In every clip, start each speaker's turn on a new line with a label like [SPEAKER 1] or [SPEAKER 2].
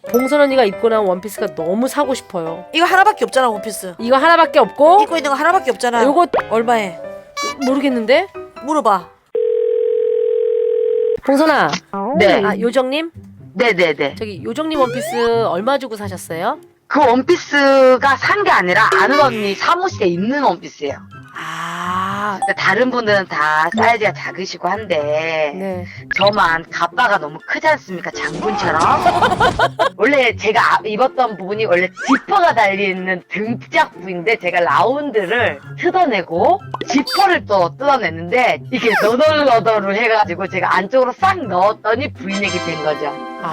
[SPEAKER 1] 봉선 언니가 입고 나온 원피스가 너무 사고 싶어요.
[SPEAKER 2] 이거 하나밖에 없잖아 원피스.
[SPEAKER 1] 이거 하나밖에 없고
[SPEAKER 2] 입고 있는 거 하나밖에 없잖아.
[SPEAKER 1] 요거
[SPEAKER 2] 얼마에?
[SPEAKER 1] 모르겠는데?
[SPEAKER 2] 물어봐.
[SPEAKER 1] 봉선아.
[SPEAKER 3] 네.
[SPEAKER 1] 아 요정님?
[SPEAKER 3] 네네네.
[SPEAKER 1] 저기 요정님 원피스 얼마 주고 사셨어요?
[SPEAKER 3] 그 원피스가 산 게 아니라 아는 언니 사무실에 있는 원피스예요.
[SPEAKER 1] 아,
[SPEAKER 3] 근데 다른 분들은 다 사이즈가 작으시고 한데
[SPEAKER 1] 네.
[SPEAKER 3] 저만 가빠가 너무 크지 않습니까? 장군처럼. 원래 제가 입었던 부분이 원래 지퍼가 달려있는 등짝 부위인데 제가 라운드를 뜯어내고 지퍼를 또 뜯어냈는데 이게 너덜너덜을 해가지고 제가 안쪽으로 싹 넣었더니 브이넥이 된 거죠.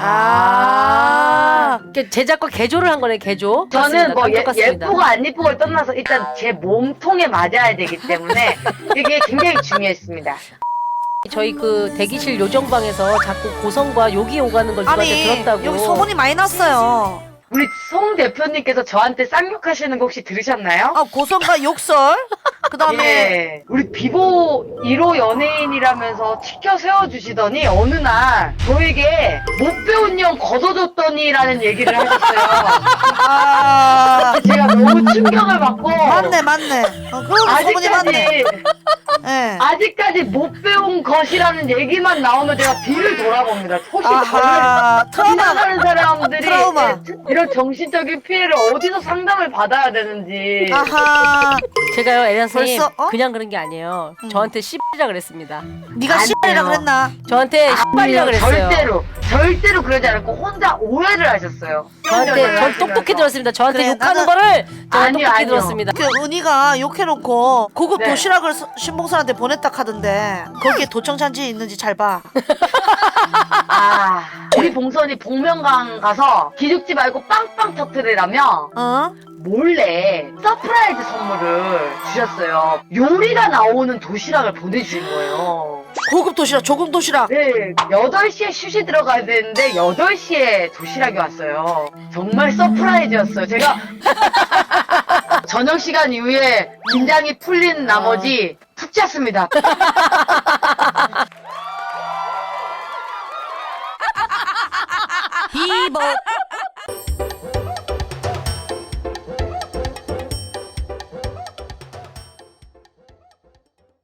[SPEAKER 2] 아.
[SPEAKER 1] 이렇게 제작과 개조를 한 거네, 개조.
[SPEAKER 3] 저는 뭐
[SPEAKER 1] 똑같습니다.
[SPEAKER 3] 예쁘고 안 예쁘고를 떠나서 일단 제 몸통에 맞아야 되기 때문에 이게 굉장히 중요했습니다.
[SPEAKER 1] 저희 그 대기실 요정방에서 자꾸 고성과 욕이 오가는 걸 누구한테
[SPEAKER 2] 아니
[SPEAKER 1] 들었다고.
[SPEAKER 2] 여기 소문이 많이 났어요.
[SPEAKER 3] 우리 송 대표님께서 저한테 쌍욕하시는 거 혹시 들으셨나요?
[SPEAKER 2] 아 고성과 욕설. 그 다음에
[SPEAKER 3] 예. 우리 비보 1호 연예인이라면서 치켜 세워주시더니 어느 날 저에게 못 배운 년 걷어줬더니라는 얘기를 하셨어요.
[SPEAKER 2] 아
[SPEAKER 3] 제가 너무 충격을 받고
[SPEAKER 2] 맞네. 그런 소문이 맞네. 예.
[SPEAKER 3] 아직까지 못 배운 것이라는 얘기만 나오면 제가 뒤를 돌아봅니다. 혹시
[SPEAKER 2] 아하
[SPEAKER 3] 저를
[SPEAKER 2] 트라우마.
[SPEAKER 3] 지나가는 사람들이
[SPEAKER 2] 트라우마.
[SPEAKER 3] 이런 정신적인 피해를 어디서 상담을 받아야 되는지.
[SPEAKER 2] 아하
[SPEAKER 1] 제가요, 에리나 선생님,
[SPEAKER 2] 벌써, 어?
[SPEAKER 1] 그냥 그런 게 아니에요. 저한테 씨발이라 그랬습니다.
[SPEAKER 2] 네가
[SPEAKER 3] 안
[SPEAKER 2] 씨발이라
[SPEAKER 3] 돼요.
[SPEAKER 2] 그랬나?
[SPEAKER 1] 저한테 씨발이라
[SPEAKER 3] 아니요,
[SPEAKER 1] 그랬어요.
[SPEAKER 3] 절대로 그러지 않고 혼자 오해를 하셨어요.
[SPEAKER 1] 저한테, 전 똑똑히 들었습니다. 저한테
[SPEAKER 2] 그래,
[SPEAKER 1] 욕하는
[SPEAKER 2] 나는-
[SPEAKER 1] 거를 제가
[SPEAKER 3] 아니요,
[SPEAKER 1] 똑똑히
[SPEAKER 3] 아니요.
[SPEAKER 1] 들었습니다.
[SPEAKER 2] 그 은희가 욕해놓고 고급
[SPEAKER 3] 네.
[SPEAKER 2] 도시락을 신봉선한테 보냈다 카던데 거기에 도청산지 있는지 잘 봐.
[SPEAKER 3] 우리 봉선이 복면가왕 가서 기죽지 말고 빵빵 터트리라며
[SPEAKER 2] 어?
[SPEAKER 3] 몰래 서프라이즈 선물을 주셨어요. 요리가 나오는 도시락을 보내주신 거예요.
[SPEAKER 2] 고급 도시락, 조금 도시락.
[SPEAKER 3] 네, 8시에 슛이 들어가야 되는데 8시에 도시락이 왔어요. 정말 서프라이즈였어요. 제가 저녁 시간 이후에 긴장이 풀린 나머지 푹 잤습니다.
[SPEAKER 2] 비보